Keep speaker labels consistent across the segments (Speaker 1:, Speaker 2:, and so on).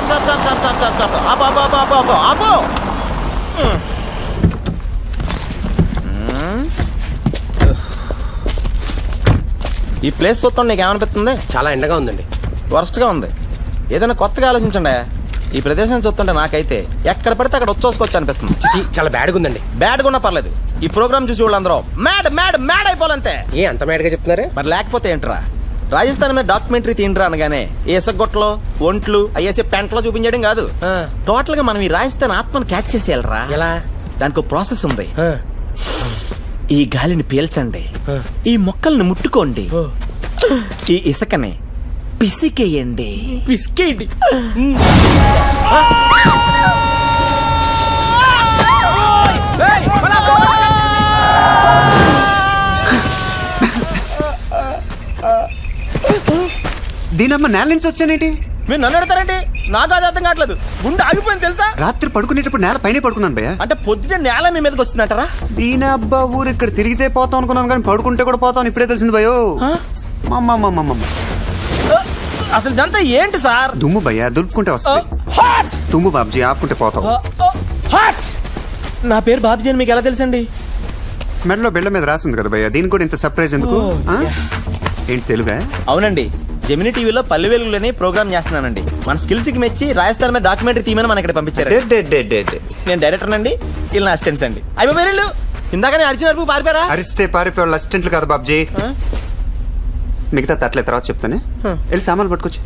Speaker 1: ఆపు. ఈ ప్లేస్ చూస్తాం నీకు ఏమనిపిస్తుంది?
Speaker 2: చాలా ఎండగా ఉందండి.
Speaker 1: వరస్ట్గా ఉంది. ఏదైనా కొత్తగా ఆలోచించండి. ఈ ప్రదేశం చూస్తుంటే నాకైతే ఎక్కడ పడితే అక్కడ వచ్చేసుకోవచ్చు అనిపిస్తుంది.
Speaker 2: చిచి, చాలా బ్యాడ్గా ఉందండి.
Speaker 1: బ్యాడ్గా ఉన్నా పర్లేదు, ఈ ప్రోగ్రామ్ చూసి వాళ్ళందరూ మ్యాడ్ మ్యాడ్ మ్యాడ్ అయిపోవాలంతే.
Speaker 2: ఏ అంత మ్యాడ్గా చెప్తున్నారు?
Speaker 1: మరి లేకపోతే ఏంట్రా, రాజస్థాన్ మీద డాక్యుమెంటరీ తీండ్రా అనగానే ఏసగొట్టలో ఒంట్లు అయ్యేసే పెంటలో చూపించడం కాదు, టోటల్ గా మనం ఈ రాజస్థాన్ ఆత్మను క్యాచ్ చేసేయాలరా.
Speaker 2: ఎలా?
Speaker 1: దానికి ప్రాసెస్ ఉంది. ఈ గాలిని పీల్చండి, ఈ మొక్కల్ని ముట్టుకోండి, ఈ ఇసుకని పిసికేయండి.
Speaker 2: పిసికేయండి.
Speaker 3: దీనమ్మ నేల నుంచి వచ్చానేంటి?
Speaker 1: మీరు నన్ను అడతారండి? నాకు అది అర్థం కావట్లేదు. గుండె ఆగిపోయింది తెలుసా.
Speaker 3: రాత్రి పడుకునేటప్పుడు నేల పైన పడుకున్నాను భయ్యా.
Speaker 1: అంటే పొద్దున నేల మీ మీదకి వస్తుందంటారా?
Speaker 3: దీనబ్బా ఊరు ఇక్కడ తిరిగితే పోతాం అనుకున్నాను, కానీ పడుకుంటే కూడా పోతాం ఇప్పుడే తెలిసింది భయో.
Speaker 1: అసలు ఇదంతా ఏంటి సార్?
Speaker 3: దుమ్ము భయ్యా, దులుపుకుంటే వస్తుంది. దుమ్ము బాబ్జీ, ఆపుకుంటే పోతాం.
Speaker 1: నా పేరు బాబ్జీ అని మీకు ఎలా తెలుసండి?
Speaker 3: మెడలో బిళ్ళ మీద రాసింది కదా భయ్యా, దీనికి కూడా ఇంత సర్ప్రైజ్ ఎందుకు? ఏంటి తెలుగా?
Speaker 1: అవునండి, జెమిని టీవీలో పల్లె వెలుగులని ప్రోగ్రామ్ చేస్తున్నానండి. మన స్కిల్స్ కి మెచ్చి రాజస్థాన్ మీద డాక్యుమెంటరీ తీయమని మన ఇక్కడ పంపించారు. నేను డైరెక్టర్ అండి, వీళ్ళు నా అసిస్టెంట్స్ అండి. అయ్యో పేరు ఇందాక అరిచిన వరకు పారిపోయారా?
Speaker 3: అరిస్తే పారిపోయే అసిస్టెంట్లు కదా బాబ్జీ. మిగతా తట్లే తర్వాత చెప్తానే, వెళ్ళి సామాన్లు పట్టుకొచ్చి.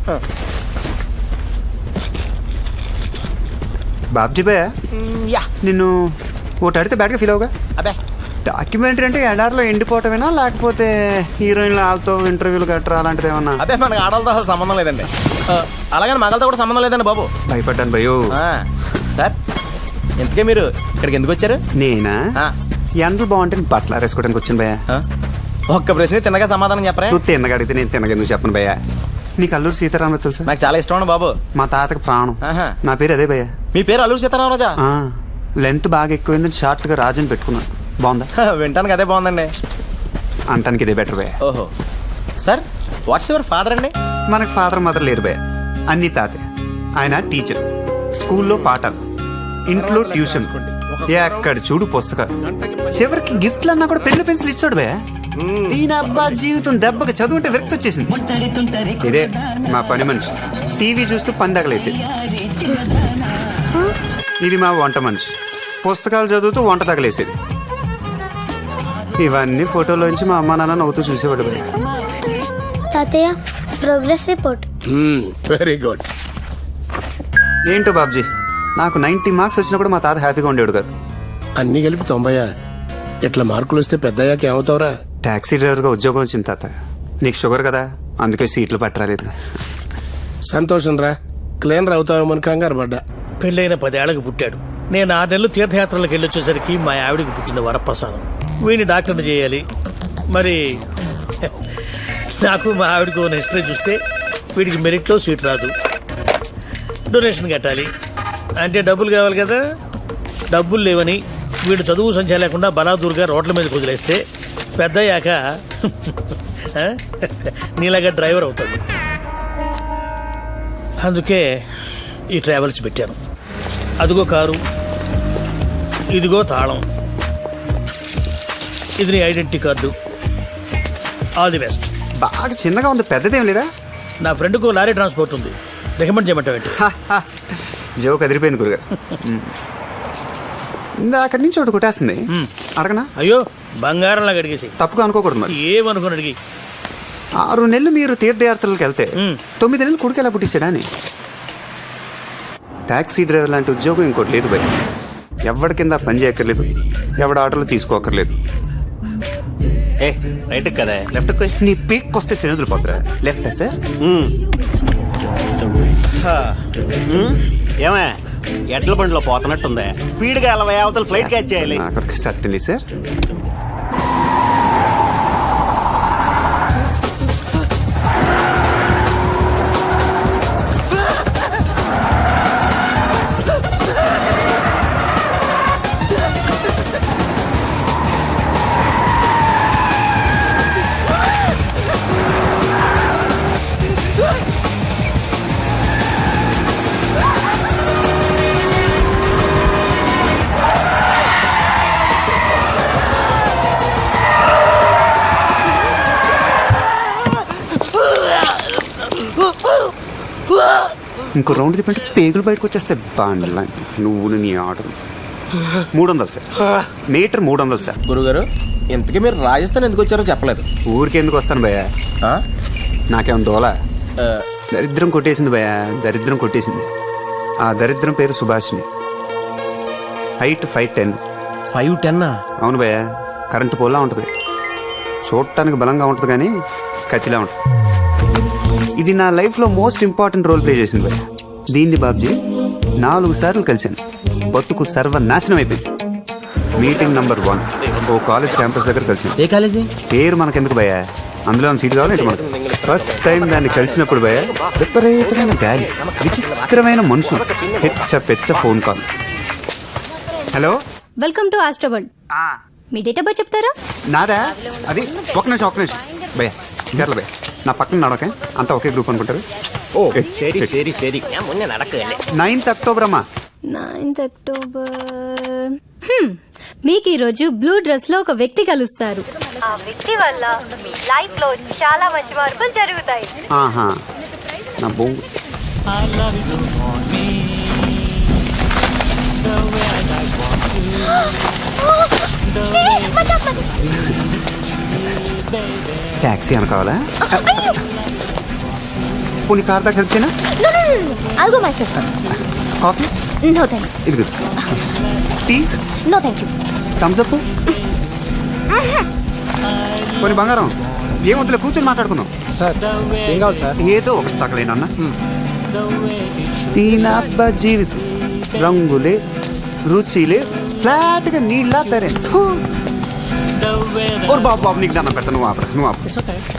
Speaker 3: బాబ్జీ భయ్యా, నిన్ను ఒకటి అడిగితే బ్యాడ్గా ఫీల్ అవుగా?
Speaker 1: అబ్బే,
Speaker 3: డాక్యుమెంటరీ అంటే ఎడారిలో ఎండిపోవటమేనా, లేకపోతే హీరోయిన్లు వాళ్ళతో ఇంటర్వ్యూలు గట్రా అలాంటిది ఏమన్నా?
Speaker 1: అబ్బే, మనకి ఆడలతో అసలు సంబంధం లేదండి. అలాగని మగలతో కూడా సంబంధం లేదండి బాబు.
Speaker 3: భయపడ్డాను భయో.
Speaker 1: సార్, ఇంతకే మీరు ఇక్కడికి ఎందుకు వచ్చారు?
Speaker 3: నేనా? ఎండలు బాగుంటే బట్టలు ఆరేసుకోవడానికి వచ్చాను భయ్యా.
Speaker 1: ఒక్క ప్రశ్న తిన్నగా సమాధానం చెప్పరా?
Speaker 3: నువ్వు తిన్నగా అడిగితే నేను తిన్నగా ఎందుకు చెప్పను భయ్యా. నీకు అల్లూరు సీతారామరాజు తెలుసా?
Speaker 1: నాకు చాలా ఇష్టం బాబు.
Speaker 3: మా తాతకి ప్రాణం. నా పేరు అదే భయ్యా.
Speaker 1: మీ పేరు అల్లూరు సీతారామరాజా?
Speaker 3: లెంత్ బాగా ఎక్కువైందని షార్ట్ గా రాజుని పెట్టుకున్నాను. బాగుందా?
Speaker 1: వింటానికి అదే బాగుందండి.
Speaker 3: అంటానికి ఇదే బెటర్ భయ్యా.
Speaker 1: ఓహో, సార్ వాట్స్ యువర్ ఫాదర్ అండి?
Speaker 3: మనకు ఫాదర్ మదర్ లేరు భయ్యా, అన్ని తాతే. ఆయన టీచర్, స్కూల్లో పాఠాలు, ఇంట్లో ట్యూషన్, ఎక్కడ చూడు పుస్తకాలు, చివరికి గిఫ్ట్లు అన్నా కూడా పెన్ను పెన్సిల్ ఇచ్చాడు భయ్యా. ఈయన అబ్బా జీవితం దెబ్బకి చదువుంటే విరక్తి వచ్చేసింది. ఇదే మా పని మనిషి, టీవీ చూస్తూ పందగలేసేది. ఇది మా వంట మనిషి, పుస్తకాలు చదువుతూ వంట తగలేసేది. ఇవన్నీ ఫోటోలోంచి మా అమ్మ నాన్న నవ్వుతూ చూసేవాడు భయ్యా.
Speaker 4: తాతయ్య, ప్రోగ్రెస్ రిపోర్ట్.
Speaker 2: Very good.
Speaker 3: ఏంటో బాబ్జీ, నాకు 90 మార్క్స్ వచ్చినా కూడా మా తాత హ్యాపీగా ఉండేవాడు కాదు.
Speaker 2: అన్ని కలిపి 90. ఇట్లా మార్కులు వస్తే పెద్దయ్యాక ఏమవుతావురా?
Speaker 3: టాక్సీ డ్రైవర్గా ఉద్యోగం వచ్చింది తాత. నీకు షుగర్ కదా, అందుకే సీట్లు పట్టరాలేదు.
Speaker 2: సంతోషం రా, క్లీనర్ అవుతావేమని కంగారు పడ్డా.
Speaker 5: పెళ్ళైన 10 ఏళ్ళకి పుట్టాడు. నేను 6 నెలలు తీర్థయాత్రలకు వెళ్ళొచ్చేసరికి మా ఆవిడికి పుట్టిన వరప్రసాదం. వీడిని డాక్టర్ని చేయాలి. మరి నాకు మా ఆవిడకు ఉన్న హిస్టరీ చూస్తే వీడికి మెరిట్లో సీట్ రాదు, డొనేషన్ కట్టాలి, అంటే డబ్బులు కావాలి కదా. డబ్బులు లేవని వీడు చదువు సంఖ్య లేకుండా బలాదూరుగా రోడ్ల మీద కుదిలేస్తే పెద్దయ్యాక నీలాగా డ్రైవర్ అవుతాడు. అందుకే ఈ ట్రావెల్స్ పెట్టాను. అదిగో కారు, ఇదిగో తాళం, ఇది నీ identity card. All the best.
Speaker 3: బాగా చిన్నగా ఉంది, పెద్దదేం లేదా?
Speaker 5: నా ఫ్రెండ్కు లారీ ట్రాన్స్పోర్ట్ ఉంది, రికమెండ్ చేయమంటావు ఏంటి?
Speaker 3: జోక్ అదిరిపోయింది గురుగారు. అక్కడి నుంచి ఒకటి కొట్టేస్తుంది, అడగనా?
Speaker 5: అయ్యో, బంగారంలాగా అడిగేసి.
Speaker 3: తప్పుగా అనుకోకూడదు మరి.
Speaker 5: ఏమనుకుని అడిగి.
Speaker 3: 6 నెలలు మీరు తీర్థయాత్రలకు వెళ్తే 9 నెలలు కొడుకు ఎలా పుట్టిస్తాడా అని. టాక్సీ డ్రైవర్ లాంటి ఉద్యోగం ఇంకోటి లేదు భయ్. ఎవరి కింద పని చేయక్కర్లేదు, ఎవడ ఆటోలు తీసుకోక్కర్లేదు.
Speaker 1: రైట్ కదా, లెఫ్ట్
Speaker 3: నీ పీక్ వస్తే శ్రేణులు పోతురా. Left sir.
Speaker 1: ఏమే ఎడ్ల బండిలో పోతున్నట్టుందే, స్పీడ్గా 40 అవతల ఫ్లైట్ క్యాచ్ చేయాలి.
Speaker 3: Certainly sir. ఇంకో రౌండ్ తిప్పంటే పేగులు బయటకు వచ్చేస్తే బాండ్లా నువ్వు నీ ఆటలు 300 సార్ మీటర్ 300 సార్.
Speaker 1: గురుగారు ఇంతకీ మీరు రాజస్థాన్ ఎందుకు వచ్చారో చెప్పలేదు.
Speaker 3: ఊరికి ఎందుకు వస్తాను భయ్యా,
Speaker 1: ఆ?
Speaker 3: నాకేమో దోలా
Speaker 1: ఆ,
Speaker 3: దరిద్రం కొట్టేసింది భయ్యా, దరిద్రం కొట్టేసింది. ఆ దరిద్రం పేరు సుభాష్ని. హైట్ 5'10".
Speaker 1: 5'10"?
Speaker 3: అవును భయ్యా, కరెంటు పోల్లా ఉంటుంది. చూడటానికి బలంగా ఉంటుంది కానీ కత్తిలా ఉంటుంది. ఇది నా లైఫ్లో మోస్ట్ ఇంపార్టెంట్ రోల్ ప్లే చేసింది భయ్యా. దీన్ని బాబ్జీ 4 సార్లు కలిశాను. బతుకు సర్వనాశనం అయిపోయింది. మీటింగ్ నంబర్ 1 ఓ కాలేజ్ క్యాంపస్ దగ్గర కలిసింది.
Speaker 1: ఏ కాలేజీ?
Speaker 3: పేరు మనకెందుకు భయ్యా, అందులో సీట్ కావాలి మనకు. ఫస్ట్ టైం దాన్ని కలిసినప్పుడు భయ్యా విపరీతమైన గాలి, విచిత్రమైన మనుషులు, పెచ్చ phone call. Hello,
Speaker 6: welcome to Astroval. మీ డేట్ ఆఫ్ బర్త్ చెప్తారా?
Speaker 3: నాదా? అది ఒక నిమిషం భయ్యా, జర్ల భయ్యా, నా పక్కన నడకే అంతా ఒకే గ్రూప్ అనుకుంటారు.
Speaker 1: ఓ సరి సరి సరి ముందే నడకలే.
Speaker 3: 9th అక్టోబర్ అమ్మా.
Speaker 6: 9th October. మీకు ఈ రోజు బ్లూ డ్రెస్ లో ఒక వ్యక్తి కలుస్తారు. ఆ వ్యక్తి వల్ల మీ లైఫ్ లో చాలా మంచి మార్పులు జరుగుతాయి.
Speaker 3: ఆహా, నా బొంగు. ట్యాక్సీ అనుకోవాలా? పోనీ కార్ దాకా హెల్ప్ చేయనా?
Speaker 6: I'll go myself.
Speaker 3: కాఫీ?
Speaker 6: No thanks.
Speaker 3: ఇది టీ?
Speaker 6: No thank you.
Speaker 3: Thumbs up? పోనీ బంగారం ఏమొద్దులే, కూర్చొని మాట్లాడుకుందాం.
Speaker 7: సార్ ఏం కావాలి సార్?
Speaker 3: ఏదో ఒకటి తగలేనన్నా. దీనబ్బ జీవితం రంగులే రుచిలే ఫ్లాట్ గా నీళ్ళ తరే. బాబు బాబు నీకు దండం పెడతా, నువ్వు ఆపరా, నువ్వు ఆపు.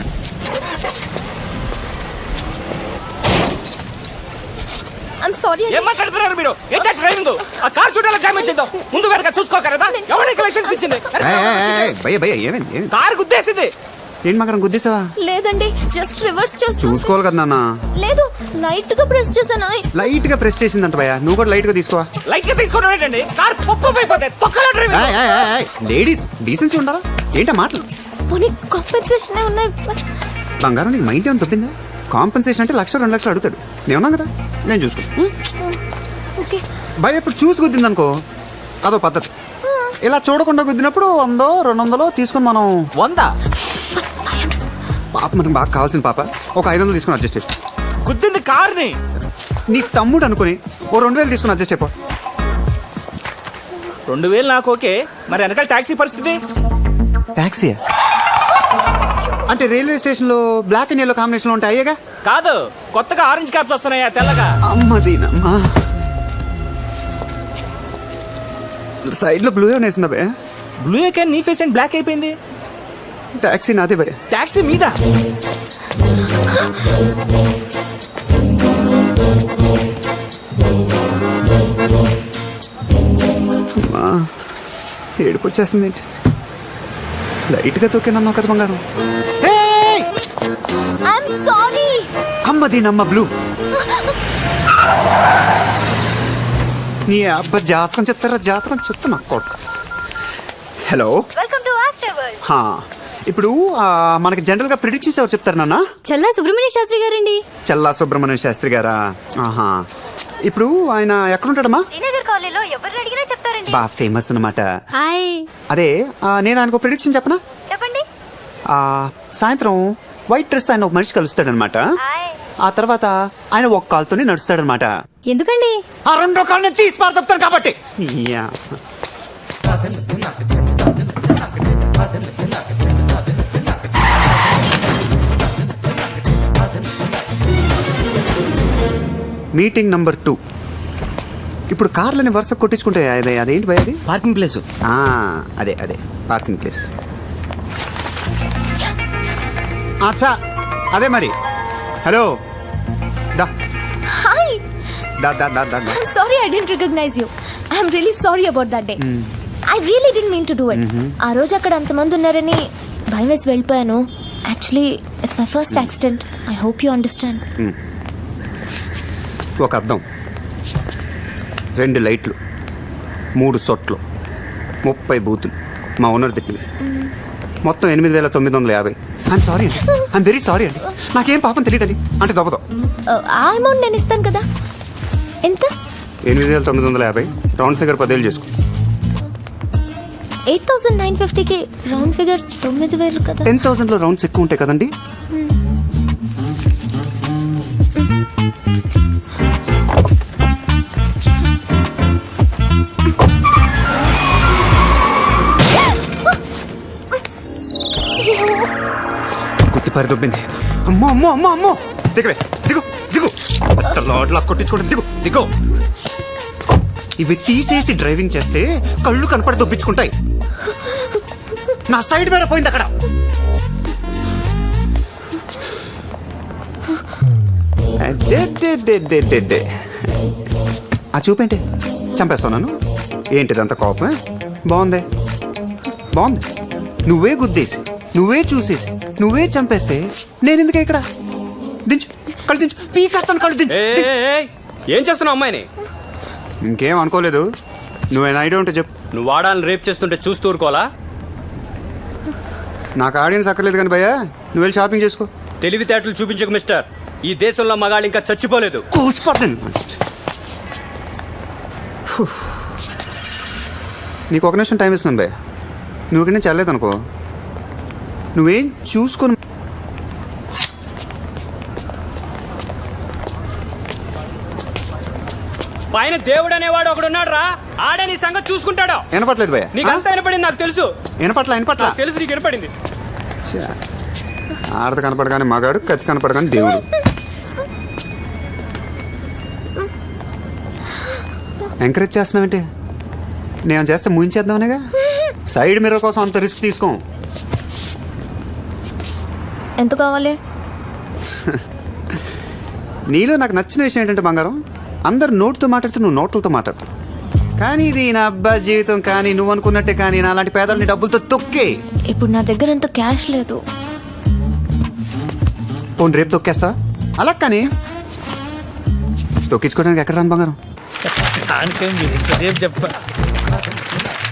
Speaker 6: I'm sorry.
Speaker 8: ఏం మాట్లాడుతున్నారు మీరు? ఏంటా డ్రైవింగ్? ఆ కార్ చూడాలి, డ్యామేజ్ చేద్దాం. ముందు వెనక చూసుకోకరదా? ఎవరికి లైసెన్స్ ఇచ్చింది?
Speaker 3: భయ్య భయ్య ఏమైంది?
Speaker 8: కార్ గుద్దేసింది.
Speaker 3: ఏం మగరం గుద్దేసావా?
Speaker 6: లేదండి, జస్ట్ రివర్స్ చేస్తూ.
Speaker 3: చూసుకోవాలి కదా నాన్న.
Speaker 6: లేదు, లైట్ గా ప్రెస్ చేశాను.
Speaker 3: లైట్ గా ప్రెస్ చేసిందంట భయ్య, నువ్వు కూడా లైట్ గా తీసుకోవా.
Speaker 8: లైట్ గా తీసుకోవడం ఏంటండి? కార్ పప్పు అయిపోతే తొక్కల డ్రైవింగ్.
Speaker 3: లేడీస్ డీసెన్సీ ఉండాలా? ఏంటా మాటలు?
Speaker 6: పోనీ కాంపెన్సేషన్ ఉన్నాయి.
Speaker 3: బంగారం నీకు మైండ్ ఏమైనా తప్పిందా? కాంపెన్సేషన్ అంటే 1,00,000 2 లక్షలు అడుగుతాడు. నేను ఉన్నా కదా, నేను చూసుకో.
Speaker 6: ఓకే.
Speaker 3: భయ ఇప్పుడు చూసి గుద్దింది అనుకో, అదో పద్ధతి. ఇలా చూడకుండా గుద్దినప్పుడు 100 200 తీసుకుని మనం
Speaker 8: 100
Speaker 3: పాప మనకు బాగా కావాల్సిన పాప ఒక 500 తీసుకుని అడ్జస్ట్ చేసి.
Speaker 8: గుద్దింది కార్ని.
Speaker 3: నీ తమ్ముడు అనుకుని ఓ 2000 తీసుకుని అడ్జస్ట్ అయిపో.
Speaker 8: 2000 నాకు ఓకే, మరి వెనకాల టాక్సీ పరిస్థితి?
Speaker 3: ట్యాక్సీ అంటే రైల్వే స్టేషన్ లో బ్లాక్ అండ్ ఎల్లో కాంబినేషన్ లో ఉంటాయి అయ్యేగా.
Speaker 8: కాదు, కొత్తగా ఆరెంజ్ క్యాప్స్ వస్తున్నాయా తెల్లగా.
Speaker 3: అమ్మదీనమ్మా, సైడ్ లో బ్లూ ఏమైనా వేసిందా భయ?
Speaker 8: బ్లూ క్యాన్ నీ ఫేస్ అండ్ బ్లాక్ అయిపోయింది.
Speaker 3: ట్యాక్సీ నాదే భయ.
Speaker 8: టాక్సీ మీద
Speaker 3: ఏడుపు వచ్చేస్తుంది ఏంటి? లైట్ గా తొక్కినన్నావు కదా బంగారం.
Speaker 6: I'm sorry.
Speaker 3: అమ్మదీనమ్మ బ్లూ. నీ అబ్బా జాతకం చెప్తారా? జాతకం చెప్తున్నా కొట్ట. Hello,
Speaker 6: welcome to Astroval.
Speaker 3: ఇప్పుడు మనకి జనరల్ గా ప్రిడిక్షన్స్ ఎవరు చెప్తారు నాన్న?
Speaker 6: చల్లా సుబ్రహ్మణ్య శాస్త్రి గారండి.
Speaker 3: చల్లా సుబ్రహ్మణ్య శాస్త్రి గారా? ఆహా, ఇప్పుడు ఆయన ఎక్కడుంటాడమ్మా?
Speaker 6: శ్రీనగర్ కాలనీలో ఎవరిని అడిగినా చెప్తారండి.
Speaker 3: బాగా ఫేమస్ అనమాట.
Speaker 6: హాయ్.
Speaker 3: అదే నేను ఆయనకు ప్రిడిక్షన్ చెప్పనా?
Speaker 6: చెప్పండి.
Speaker 3: సాయంత్రం వైట్ డ్రెస్ ఆయన ఒక మనిషి కలుస్తాడనమాట. ఆ తర్వాత ఆయన ఒక కాలుతోనే నడుస్తాడనమాట.
Speaker 6: ఎందుకండి?
Speaker 3: ఆ 2 కాళ్ళని తీసి పారదొప్తాను కాబట్టి. Meeting number 2. ఇప్పుడు కార్లని వరుస కొట్టించుకుంటే అదేంటి భయ? అది
Speaker 1: పార్కింగ్ ప్లేస్.
Speaker 3: అదే పార్కింగ్ ప్లేస్. అచ్చా అదే మరి. హలో, దా
Speaker 6: హాయ్.
Speaker 3: దా దా దా దా.
Speaker 6: I'm sorry I didn't recognize you. I'm really sorry about that day. I really didn't mean to do it. ఆ రోజు అక్కడ అంతమంది ఉన్నారని భయం వేసి వెళ్ళిపోయాను. Actually, it's my first accident. I hope you understand.
Speaker 3: ఒక అద్దం, 2 లైట్లు, 3 సొట్లు, 30 బూతులు మా ఓనర్ తిప్పింది. మొత్తం 8,950. ఐఎమ్ సారీ అండి, ఐఎమ్ వెరీ సారీ అండి. నాకేం పాపం తెలియదండి అంటే దొబ్బతో.
Speaker 6: ఆ అమౌంట్ నేను ఇస్తాను కదా. ఎంత?
Speaker 3: 8,950 రౌండ్ ఫిగర్ 10,000 చేసుకో.
Speaker 6: 8,950కి రౌండ్ ఫిగర్ 9,000 కదా.
Speaker 3: 10,000లో రౌండ్స్ ఎక్కువ ఉంటాయి కదండి. గుర్తుపారి దొబ్బింది. అమ్మో అమ్మో అమ్మో అమ్మో, దిగవే, దిగు దిగు, లాడ్లా కొట్టించుకోండి, దిగు దిగు. ఇవి తీసేసి డ్రైవింగ్ చేస్తే కళ్ళు కనపడి దొబ్బించుకుంటాయి. నా సైడ్ మీద పోయింది అక్కడ. ఆ చూపేంటి, చంపేస్తున్నాను ఏంటిదంత కోపమే? బాగుంది బాగుంది. నువ్వే గుద్దేసి, నువ్వే చూసేసి, నువ్వే చంపేస్తే నేను ఎందుకే ఇక్కడ? దించు, కళ్ళు దించు, పీకేస్తాను, కళ్ళు దించు.
Speaker 8: ఏం చేస్తున్నావు అమ్మాయిని?
Speaker 3: ఇంకేం అనుకోలేదు. నువ్వేనా ఐడియా ఉంటే చెప్పు.
Speaker 8: నువ్వు వాడాలని రేప్ చేస్తుంటే చూస్తూ ఊరుకోవాలా?
Speaker 3: నాకు ఆడియన్స్ అక్కర్లేదు కానీ భయ్యా, నువ్వు వెళ్ళి షాపింగ్ చేసుకో.
Speaker 8: తెలివితేటలు చూపించకు మిస్టర్. ఈ దేశంలో మగాళ్ళు ఇంకా చచ్చిపోలేదు.
Speaker 3: నీకు ఒక నిమిషం టైం ఇస్తున్నాను భయ్య. నువ్వు ఇక్కడ నుంచి వెళ్ళలేదు అనుకో, నువ్వేం చూసుకొని
Speaker 8: పైన దేవుడు అనేవాడు ఒకడు ఉన్నాడు రా. ఆడే నీ సంగతి చూసుకుంటాడు.
Speaker 3: వినపట్లేదు భయ్య.
Speaker 8: నీకంతా వినపడింది, నాకు తెలుసు.
Speaker 3: వినపట్ల
Speaker 8: నాకు తెలుసు నీకు వినపడింది.
Speaker 3: ఆడత కనపడగానే మగాడు, కత్తి కనపడగానే దేవుడు. ఎంకరేజ్ చేస్తున్నావేంటి? నేను చేస్తే ముయించేద్దామనేగా. సైడ్ మిర్రర్ కోసం అంత రిస్క్ తీసుకోం.
Speaker 6: ఎంత కావాలి?
Speaker 3: నీలో నాకు నచ్చిన విషయం ఏంటంటే బంగారం, అందరు నోటుతో మాట్లాడుతూ నువ్వు నోట్లతో మాట్లాడతావు. కానీ ఇది నా అబ్బా జీవితం, కానీ నువ్వు అనుకున్నట్టే కానీ నా లాంటి పేదల్ని డబ్బులతో తొక్కే.
Speaker 6: ఇప్పుడు నా దగ్గర అంత క్యాష్ లేదు.
Speaker 3: పోనీ రేపు తొక్కేస్తా. అలా కానీ తొక్కించుకోవడానికి ఎక్కడ రాను బంగారం?
Speaker 5: దానికేం మీరు ఇంతసేపు చెప్ప